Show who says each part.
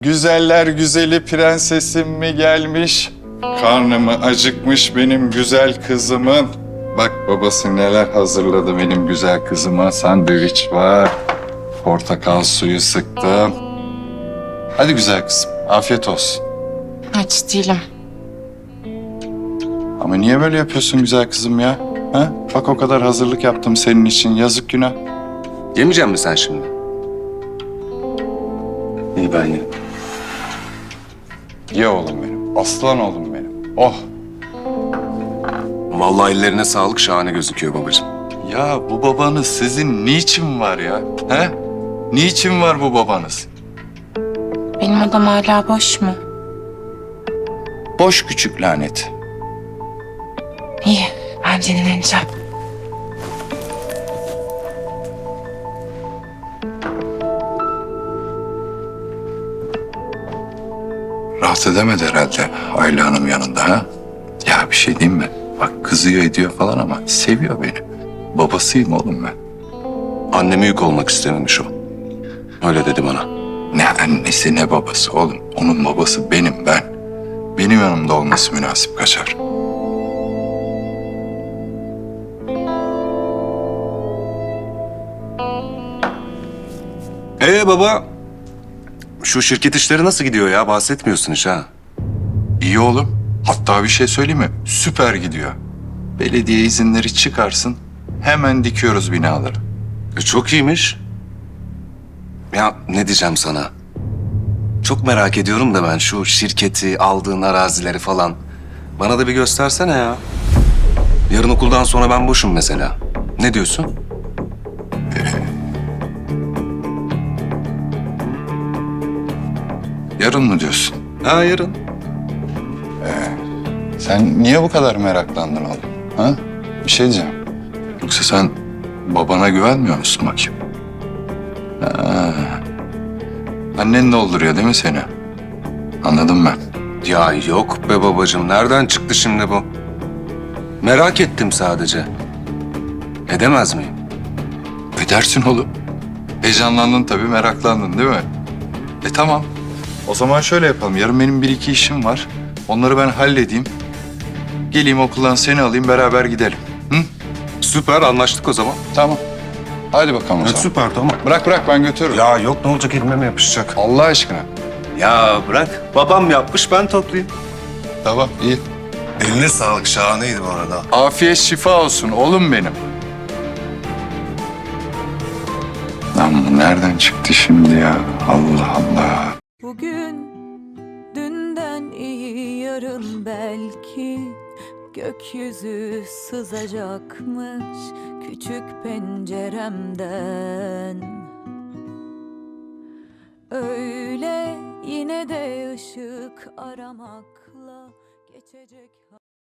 Speaker 1: Güzeller güzeli prensesim mi gelmiş? Karnımı acıkmış benim güzel kızımın. Bak babası neler hazırladı benim güzel kızıma. Sandviç var. Portakal suyu sıktım. Hadi güzel kızım, afiyet olsun.
Speaker 2: Aç değilim.
Speaker 1: Ama niye böyle yapıyorsun güzel kızım ya? Ha? Bak o kadar hazırlık yaptım senin için. Yazık günah.
Speaker 3: Yemeyecek misin sen şimdi? İyi ben yerim.
Speaker 1: Ye oğlum benim. Aslan oğlum benim. Oh.
Speaker 3: Vallahi ellerine sağlık, şahane gözüküyor babacığım.
Speaker 1: Ya bu babanız sizin niçin var ya? He? Niçin var bu babanız?
Speaker 2: Benim odam hala boş mu?
Speaker 1: Boş küçük lanet.
Speaker 2: İyi, ben dinleneceğim.
Speaker 1: Rahat edemedi herhalde Ayla Hanım yanında ha? Ya bir şey diyeyim mi? Bak kızıyor ediyor falan ama seviyor beni. Babasıyım oğlum ben.
Speaker 3: Anneme yük olmak istememiş o. Öyle dedi bana.
Speaker 1: Ne annesi ne babası oğlum. Onun babası benim ben. Benim yanımda olması münasip kaçar.
Speaker 3: Baba, şu şirket işleri nasıl gidiyor ya? Bahsetmiyorsun hiç ha.
Speaker 1: İyi oğlum. Hatta bir şey söyleyeyim mi? Süper gidiyor. Belediye izinleri çıkarsın. Hemen dikiyoruz binaları.
Speaker 3: Çok iyiymiş. Ya ne diyeceğim sana? Çok merak ediyorum da ben şu şirketi, aldığın arazileri falan. Bana da bir göstersene ya. Yarın okuldan sonra ben boşum mesela. Ne diyorsun?
Speaker 1: Yarın mı diyorsun?
Speaker 3: Ha yarın.
Speaker 1: Sen niye bu kadar meraklandın oğlum? Ha? Bir şey diyeceğim. Yoksa sen babana güvenmiyor musun bakayım? Ha. Annen dolduruyor değil mi seni? Anladım ben.
Speaker 3: Ya yok be babacığım. Nereden çıktı şimdi bu? Merak ettim sadece. Edemez miyim?
Speaker 1: Edersin oğlum. Heyecanlandın tabii, meraklandın değil mi? Tamam. O zaman şöyle yapalım. Yarın benim bir iki işim var. Onları ben halledeyim. Geleyim okuldan seni alayım, beraber gidelim. Hı?
Speaker 3: Süper, anlaştık o zaman.
Speaker 1: Tamam. Hadi bakalım o zaman.
Speaker 3: Süper, tamam.
Speaker 1: Bırak ben götürürüm.
Speaker 3: Ya yok, ne olacak, elime mi yapışacak?
Speaker 1: Allah aşkına.
Speaker 3: Ya bırak. Babam yapmış, ben toplayayım.
Speaker 1: Tamam iyi.
Speaker 3: Eline sağlık, şahaneydi bu arada.
Speaker 1: Afiyet şifa olsun oğlum benim. Lan bu nereden çıktı şimdi ya? Allah Allah.
Speaker 4: Bugün dünden iyi, yarın belki gökyüzü sızacakmış küçük penceremden. Öyle yine de ışık aramakla geçecek.